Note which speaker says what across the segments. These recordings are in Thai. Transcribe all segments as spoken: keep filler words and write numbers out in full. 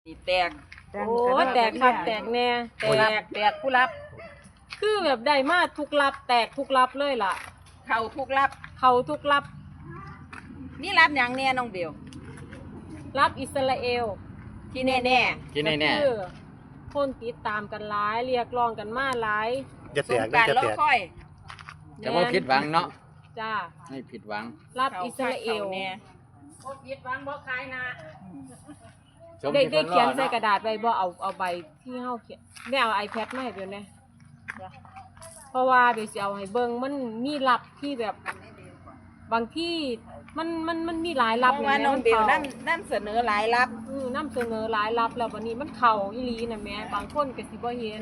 Speaker 1: แตก
Speaker 2: โอ้แตกครับแตกแน่แต
Speaker 1: ผู้รับ
Speaker 2: ก
Speaker 1: แตกผู้รับ
Speaker 2: คือแบบได้มาทุกรับแตกทุกรับเลยล่ะ
Speaker 1: เข้าทุกรับ
Speaker 2: เขาทุกรับ
Speaker 1: นี่รับอย่างแน่น้องเบล
Speaker 2: รับอิสราเอล
Speaker 1: ที่แน่แน่
Speaker 3: กินแน่
Speaker 2: ก็คือคนติดตามกันหลายเรียกร้องกันมาหลาย
Speaker 4: จะ
Speaker 1: ๆส
Speaker 4: แต
Speaker 1: ง
Speaker 4: ก
Speaker 1: กรา
Speaker 4: ได้
Speaker 1: ร
Speaker 4: จะ
Speaker 1: รอ
Speaker 4: แตก
Speaker 1: คอย
Speaker 3: ๆจะบ่ผิดหวังเนาะ
Speaker 2: จ้า
Speaker 3: ไม่ผิดหวัง
Speaker 2: รับอิสราเอล
Speaker 1: ข้แน่
Speaker 2: บ่ผิดหวังบ่ขายนะ
Speaker 3: ชม
Speaker 2: ได้
Speaker 3: ที่
Speaker 2: ได้
Speaker 3: เพิ่นร
Speaker 2: เขีย
Speaker 3: อน
Speaker 2: ใส่
Speaker 3: เนาะ
Speaker 2: กระดาษไปบ่เอาเอาใบที่เฮาเขียนได้เอา iPad มาให้เดี๋ยวนี้เพราะว่าเดี๋ยวสิเอาให้เบิ่งมันมีรับที่แบบบางที่มันมันมันมีหลาย
Speaker 1: เพ
Speaker 2: รับ
Speaker 1: ราะว่าน้องเบล
Speaker 2: มั
Speaker 1: นั่
Speaker 2: น
Speaker 1: นั่นเสนอหลายรับ
Speaker 2: อือนํเสนอหลายรับแล้วบัดนี้มันเข้าอีหลีน่ะแม่บางคนก็สิบ่เห็น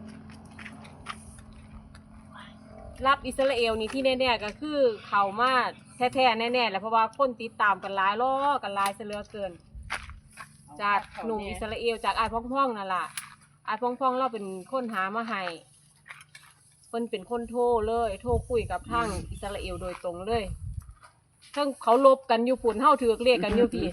Speaker 2: รับอิสราเอลนี่ที่แน่ๆก็คือเข้ามาแท้ๆแน่ๆแหละเพราะว่าคนติดตามกันหลายล้อกันหลายซะเหลือเกิน จากหนุ่มอิสราเอลจากอายพ่องๆนั่นล่ะอายพ่องๆเราเป็นคนหามาให้เพิ่นเป็นคนโทรเลยโทรคุยกับทางอิสราเอลโดยตรงเลยทั้งเขาลบกันอยู่ปุ่นเฮาถือกเลขกันอยู่พี่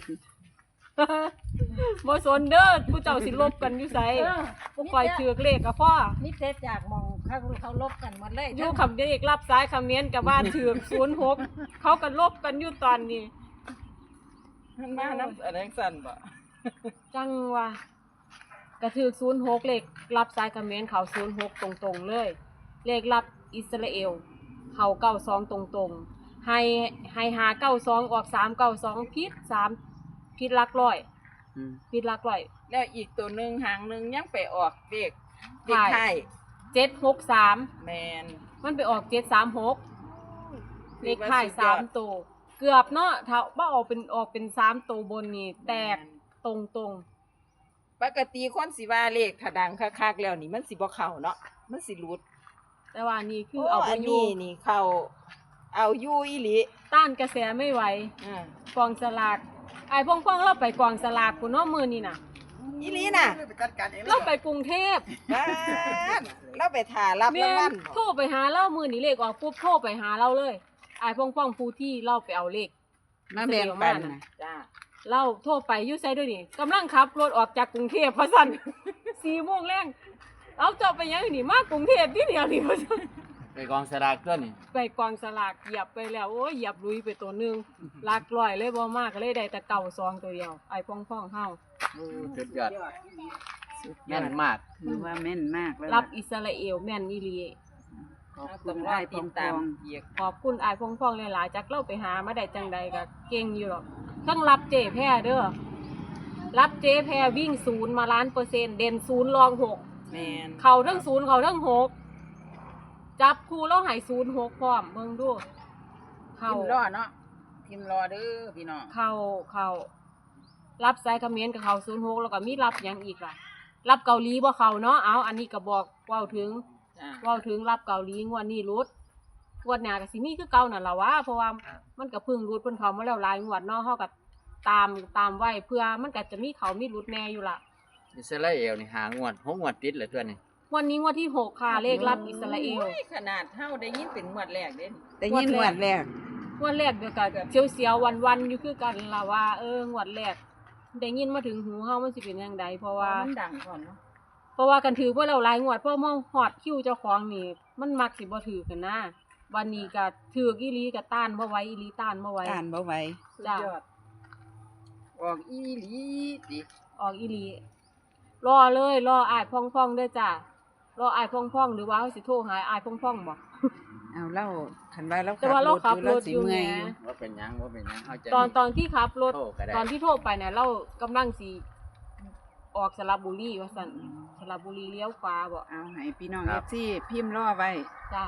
Speaker 2: บ่สนเด้อผู้เจ้าสิลบกันอยู่ไสบ่ค่อยถือกเลขก็พอ
Speaker 5: นี่เทศจากมองเขาเขาลบกันหมดเลย
Speaker 2: อยู่คำเด็กรับสายคำเมียนกับบ้านถือกศูนย์หกเขาก็ลบกันอยู่ตอนนี้
Speaker 1: มันมาน้ำอะไรสั่นบ่
Speaker 2: จังว่ะกระถือศูนย์หกเลขรับสายคอมเมนต์เขาศูนย์หกตรงๆเลย เลขรับอิสราเอลเขาเก้าสองตรงๆให้ให้หาเก้าสองออกสามเก้าสองพิษสามพิษลักร้อย
Speaker 3: อืม
Speaker 2: พิษลักร้อย
Speaker 1: แล้วอีกตัวหนึ่งหางหนึ่งยังไปออกเด็กเด็ก
Speaker 2: ใช่
Speaker 1: ไทย
Speaker 2: เจ็ดหกสาม
Speaker 1: แมน
Speaker 2: มันไปออกเจ็ดสามหกเลขท้ายสามตัวเกือบเนาะถ้าว่าออกเป็นออกเป็นสามตัวบนนี่แตกตรงๆ
Speaker 1: ปกติคนสิว่าเลขถ้าดังคักๆแล้วนี่มันสิบ่เข้าเนาะมันสิหลุด
Speaker 2: แต่ว่านี่คือ
Speaker 1: โอ้
Speaker 2: เอาไป
Speaker 1: อัน
Speaker 2: อยู่
Speaker 1: นี้นี่เข้าเอาอยู่อีหลี
Speaker 2: ต้านกระแสไม่ไหว
Speaker 1: อ่า
Speaker 2: กองสลากไอ้พ่องๆเราไปกองสลากคุณเนาะมือนี่น่ะ
Speaker 1: อีหลีน่ะ
Speaker 2: เราไปกรุงเทพ
Speaker 1: บ้านเราไปถ่ารับ
Speaker 2: แม่
Speaker 1: รางวัล
Speaker 2: โทรไปหาเรามือนี่เลขออกปุ๊บโทรไปหาเราเลยไอ้พ่องๆผู้ที่เราไปเอาเลข
Speaker 1: มาแบ่งปันนะจ้า
Speaker 2: เราโทรไปอยู่ไสด้วยนี่กำลังขับรถออกจากกรุงเทพเพราะสั่น สี่โมงแรงเอาเจาะไปยังนี่มากรุงเทพที่เดียวนี่เพราะสั่น
Speaker 3: ไปกองสลากตัวนี่
Speaker 2: ไปกองสลากเหยียบไปแล้วโอ้ยเหยียบลุยไปตัวหนึงหลักร้อยเลยบ่มากก็เลยได้แต่เก่าซองตัวเดียวไอ้พ่องๆเฮา
Speaker 3: โอ้สุดยอดแม่นมาก
Speaker 6: ถือว่าแม่นมากแล้ว
Speaker 2: รับอิสราเอลแม่นอีหลี
Speaker 6: ขอบคุ
Speaker 1: ต้อง
Speaker 6: ณ
Speaker 1: รอ
Speaker 6: อ้าย
Speaker 1: ติ
Speaker 6: ป
Speaker 1: ด
Speaker 6: อง
Speaker 1: ตาม
Speaker 6: ปอง
Speaker 1: อีก
Speaker 2: ขอบคุณอายพงพองหลายๆจากเล่าไปหามาได้จังใดก็เก่งอยู่หรอกทั้งรับเจแพ้เด้อรับเจแพ้วิ่งศูนย์มาล้านเปอร์เซ็นต์เด่นศูนย์รองหก
Speaker 1: แมน
Speaker 2: เข่าทั้งศูนย์เข่าทั้งหกจับคู่แล้วใหายศูนย์หกพร้อมเบิ่งดู
Speaker 6: พิ
Speaker 2: เข่าม
Speaker 6: พ์รอเนาะพิมพ์รอเด้อพี่น้อง
Speaker 2: เข่าเข่ารับสายคอมเขมนต์กับเข่าศูนย์หกแล้วก็มีรับหยังอีกล่ะ รับเกาหลีบ่เข่าเนาะเอาอันนี้ก็บอกเว้าถึง
Speaker 1: จ้า
Speaker 2: เว้าถึงรับเกาหลีงวดนี้รุดงวดหน้าก็สิมีคือเก่านั่นล่ะวะเพราะว่ามันก็เพึ่งรุดเพิ่นเข้ามาแล้วหลายงวดเนาะเฮาก็ตามตามไว้เพื่อมันก็จะมีเขามีรุดแน่อยู่ล่ะ
Speaker 3: อิสราเอลนี่หางวดหกงวดติดเลยตัวนี่
Speaker 2: วันนี้งวดที่หกค่ะเลขรับอิสราเอล
Speaker 1: โอ้ยขนาดเฮาได้ยินเป็นงวดแรกเด้
Speaker 6: แต่ยินหวดแรก
Speaker 2: งวดแรกเดียวกันเสียวๆวันๆอยู่คือกันล่ะว่าเอองวดแรกได้ยินมาถึงหูเฮามันสิเป็นจังไดเพราะว่า
Speaker 1: มันดังก่อนเนาะ
Speaker 2: เพราะว่ากันถือว่าเราหลายงวดเพราะเมื่อฮอดคิวเจ้าของนี่มันมักสิบ่ถือกันนะวันนี้ก็ถือกอีหลีก็ต้านบ่ไหวอีหลีต้านบ่ไหว
Speaker 6: อ่านบ่ไหว
Speaker 1: สุดยอดออกอีหลีติ
Speaker 2: ออกอีหลีรอเลยรออ้ายพ่องๆเด้อจ้ารออ้ายพ่องๆหรือว่าเฮาสิโทรหาอ้ายพ่องๆบ่
Speaker 6: เอาเล่าคันว่าเรา
Speaker 2: แต่ว่าเราขับรถ
Speaker 6: สิ
Speaker 2: อยู่
Speaker 6: เมื่
Speaker 2: ไง
Speaker 6: อยอยู่
Speaker 3: ว่าเป็นหยังว่าเป็นหยังเฮาจะ
Speaker 2: ตอนตอนที่ขับรถ
Speaker 3: โทรก็ได้
Speaker 2: ตอนที่โทรไปเนี่ยเรากำลังสิออกสระบุรีว่าซั่นสระบุรีเลี้ยวขวาบ่
Speaker 6: เอาให้พี่น้อง เอฟซีพิมพ์รอไว้
Speaker 2: จ้า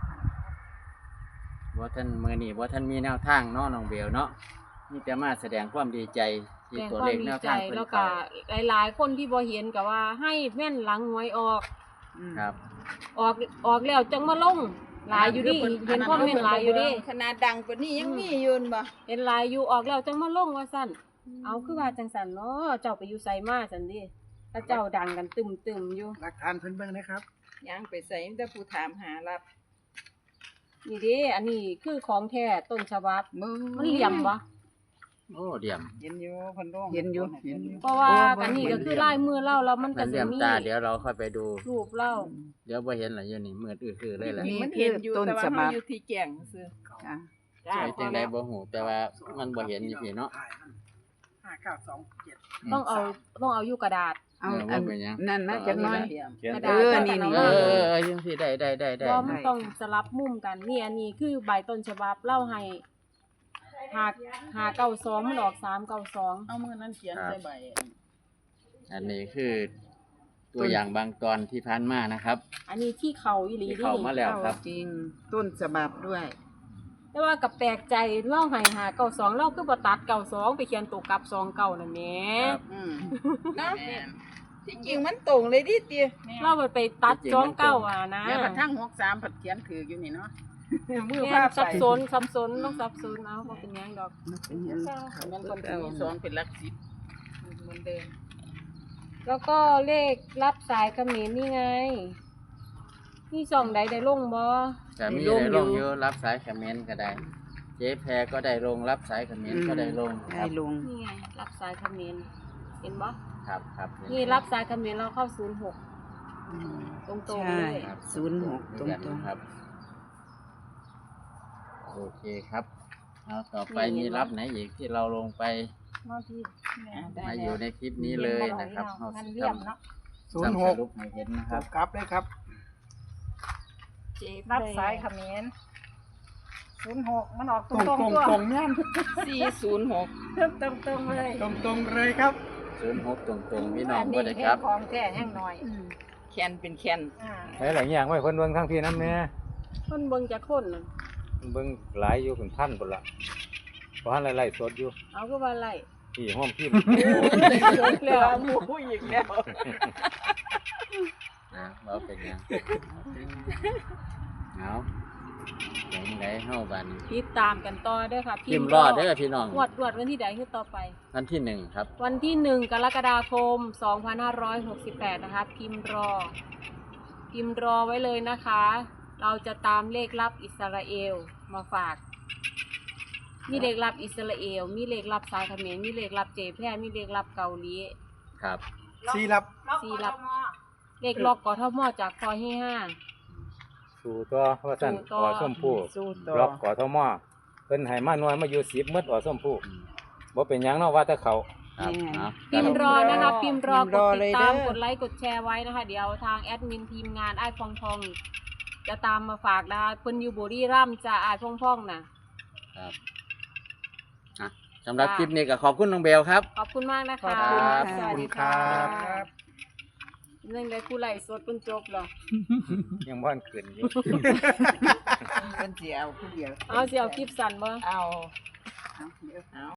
Speaker 3: บ่ท่านมื้อนี้บ่ท่านมีแนวทางเนาะน้องเบลเนาะมีแต่มาแสดงความดีใจที่
Speaker 2: แสดง
Speaker 3: ตัว
Speaker 2: ควา
Speaker 3: เล
Speaker 2: ม
Speaker 3: ข
Speaker 2: ดี
Speaker 3: แนว
Speaker 2: ใจ
Speaker 3: ทางเพิ่น
Speaker 2: แล้ว
Speaker 3: เข้า
Speaker 2: ก็หลายๆคนที่บ่เห็นก็ว่าให้แม่นหลังหวยออก
Speaker 6: อืม
Speaker 3: ครับ
Speaker 2: ออกออกแล้วจังมาลงหลายอยู่ดิเห็นคอมเมนต์หลายอยู่ดิ
Speaker 1: ขนาดดังกว่านี้ยังมีอยู่นั่นบ่
Speaker 2: เห็นหลายอยู่ออกแล้วจังมาลงว่าซั่นเอาคือว่าจังซั่นเนาะเจ้าไปอยู่ไสมาซั่นดิถ้าเจ้าดังกันตึมๆอยู่
Speaker 4: หลักฐานเพิ่นเบิ่งนะครับ
Speaker 1: ยังไปใส่มีแต่ผู้ถามหารับ
Speaker 2: นี่เด้อันนี้คือของแท้ต้นฉบับ
Speaker 6: มือ
Speaker 2: มันเหลี่ยมบ่
Speaker 3: โอ้เดี่ยม
Speaker 5: เห็นอยู่เพิ่นลง
Speaker 6: เห็นอยู่เห็นอยู่
Speaker 2: เพราะว่ากันนี่ก็คือลายมือเล่าแล้วมันก็
Speaker 3: นั่น
Speaker 2: สิ
Speaker 3: เดี่ยม
Speaker 2: มี
Speaker 3: ตาเดี๋ยวเราค่อยไปดู
Speaker 2: รูปเล่า
Speaker 3: เดี๋ยวบ่เห็นหรออยู่นี่มืดอื้อๆเลยแหละ
Speaker 6: นี่
Speaker 1: มัน
Speaker 6: คื
Speaker 1: เห็
Speaker 6: อน
Speaker 1: อยู่
Speaker 6: ต้น
Speaker 1: แต่ว่า
Speaker 6: ฉบั
Speaker 1: เฮา
Speaker 6: บ
Speaker 1: อยู่ที่แก่งซื่อ
Speaker 6: จ้ะ
Speaker 1: จ้า
Speaker 3: ไปจังไดบ่ฮู้แต่ว่ามันบ่เห็นอยู่พี่เนาะ
Speaker 4: ห้าเก้าสองเจ็ด
Speaker 2: ต้องเอาต้องเอาอยู่กระดาษ
Speaker 6: เอา
Speaker 3: เออ
Speaker 6: อัน
Speaker 3: ว่าเป็นหยัง
Speaker 6: นั่นนะจักหน่อย
Speaker 2: กระ
Speaker 6: เอ
Speaker 2: ดาษ
Speaker 6: อ
Speaker 2: กับ
Speaker 6: นี่
Speaker 2: กระ
Speaker 6: นี่
Speaker 2: ดาษ
Speaker 3: เออเออเออยังสิได้ได้ได้ได้
Speaker 2: เพราะมันต้องสลับมุมกันนี่อันนี้คือใบต้นฉบับเล่าให้หาหาเก้าสองมันออกสามเก้าสอง
Speaker 5: เอามือนั้นเขียนใส่ใบ
Speaker 3: อันนี้คือตัวอย่างบางตอนที่ผ่านมานะครับ
Speaker 2: อันนี้ที่เขาอีหลี
Speaker 3: ที่
Speaker 2: นี่
Speaker 3: เข้ามาแล้วครับ
Speaker 6: จริงต้นฉบับด้วย
Speaker 2: แต่ว่ากับแปลกใจเล่าให้หาเก้าสองเล่าคือบ่ตัดเก้าสองไปเขียนตัวกลับสองเก้านั่นแหม
Speaker 3: ครับ
Speaker 6: อืม
Speaker 1: เนาะที่จริงมันตรงเลยดิติ
Speaker 2: เล่าไปตัดสองเก้าอ่ะนะ
Speaker 5: แล้วผัดทั้งหกสามผัดเขียนถืออยู่นี่เนาะ
Speaker 1: มือ
Speaker 2: แม่
Speaker 1: พาน ไป
Speaker 2: สับสนสับสนต้องสับสนเอาบ่เป็นหยังดอก
Speaker 6: เป็นหยัง
Speaker 5: มันคนที่มีสองเป็นหลักสิบเหมือนเดิม
Speaker 2: แล้วก็เลขรับสายเขมรนี่ไงนี่ช่องใดได้ลงบ่
Speaker 3: แต่มีได้ลงอยู่รับสายคอมเมนต์ก็ได้ เจ๊แพรก็ได้ลงรับสายคอมเมนต์ก็ได้ลงค
Speaker 6: ได้
Speaker 3: รับ
Speaker 6: ลง
Speaker 2: นี่ไงรับสายเขมรเห็นบ่
Speaker 3: ครับครับเห็
Speaker 2: นี่รับสายเขมรเราเข้าศูนย์หก
Speaker 6: อืม
Speaker 2: ตรง
Speaker 6: ใช่
Speaker 2: ๆเลย
Speaker 3: ครับ
Speaker 6: ศูนย์หกตรงตรง
Speaker 3: ครับ โอเคครับเอาต่อไปมีรับไหนอีกที่เราลงไป
Speaker 2: มาที่
Speaker 3: มาอยู่ในคลิปนี้เลยนะครับเอา
Speaker 2: มัน
Speaker 3: สิ
Speaker 2: เยี่ยมเนาะ
Speaker 4: ศูนย์หก
Speaker 3: สรุปให้เห็นนะครับ
Speaker 4: กลับเลยครับ
Speaker 1: เจ็บ
Speaker 5: รับสายเขมรศูนย์หกมันออกต
Speaker 4: ต
Speaker 5: ร
Speaker 4: รง ง
Speaker 5: ต
Speaker 4: ต
Speaker 5: ร
Speaker 4: รง ง
Speaker 5: ตัว
Speaker 4: ตรงเนี่ย
Speaker 1: สี่ศูนย์หก
Speaker 5: ตรงตรงๆเลย
Speaker 4: ตรงตรงเลยครับ
Speaker 3: ศูนย์หกตรงๆพี่น้อง
Speaker 5: อั
Speaker 3: บ่ได้ครับ
Speaker 5: แของแท้แห้งหน่อย
Speaker 1: แคนเป็นแคน
Speaker 5: อ่า
Speaker 7: ใช้หลายอย่างไว้คนเบิ่งทั้งพี่น้ำเนี่ย
Speaker 2: เพิ่นเบิ่งจักคนน่ะ
Speaker 7: เบิ่งหลายอยู่เป็นพันคนละเพราะหันไล่ๆสดอยู่
Speaker 2: เอาคือว่าไร
Speaker 7: ที่ห้องพิมพ์
Speaker 2: จบแล้ว
Speaker 1: หมูอีกแล้ว
Speaker 3: นะเราเป็นยังเอาอย่างไรเฮาบัดน
Speaker 2: ติดตามกันต่อเด้อค่ะ
Speaker 3: พิมพ์รอดเด้อพี่น้อง
Speaker 2: งวดงวดวันที่ใดคือต่อไป
Speaker 3: วันที่หนึ่งครับ
Speaker 2: วันที่หนึ่งกรกฎาคมสองพันห้าร้อยหกสิบแปดนะคะ พิมพ์รอ พิมพ์รอไว้เลยนะคะ เราจะตามเลขลับอิสราเอลมาฝาก มีเลขลับอิสราเอล มีเลขลับสายเขมรมีเลขลับเจแพร่มีเลขลับเกาหลี
Speaker 3: ครับ
Speaker 4: ซีรับ
Speaker 2: สี่ลับ เลขล็อกกทมจากคอให้ห้า
Speaker 7: สู่ตัวว่าสั่น
Speaker 2: สู่ต่อ
Speaker 7: อส้มผู้
Speaker 6: สู้ต่อ
Speaker 7: ล็อกกอทมเพิ่นให้มาหน่วยมาอยู่สิบมืดอส้มผู้บ่เป็นหยังเนาะว่าแต่เขา
Speaker 3: ครับเอา
Speaker 2: พิมพ์รอนะคะ พิมพ์รอ
Speaker 6: พิมพ์
Speaker 2: ก
Speaker 6: รอ
Speaker 2: ด
Speaker 6: เล
Speaker 2: ติด
Speaker 6: ย
Speaker 2: ตาม
Speaker 6: เด้อ
Speaker 2: กดไลค์กดแชร์ไว้นะคะ เดี๋ยวทางแอดมินทีมงานไอ้ายพองพอง จะตามมาฝากนะคะเพิ่นอยู่บุรีรัมย์จะอ้ายพองพองน่ะ
Speaker 3: ครับอ่ะสำหรับคลิปนี้ก็ขอบคุณน้องเบลครับ
Speaker 2: ขอบคุณมากนะคะ
Speaker 6: ขอบคุณค่ะ
Speaker 2: สวัสดี
Speaker 4: ขอบคุณครั
Speaker 2: ค่ะ
Speaker 4: บ
Speaker 2: เรื่องใดคู่ไหลฟ์สดเพิ่นจบเหรอ
Speaker 7: ยังบ่ทันขึ้นอยู่
Speaker 6: เป็นเสียเอาผู้เดียว
Speaker 2: เอาสิเอาคลิปสั้นบ่
Speaker 1: เอา
Speaker 6: เอาเดี๋ยว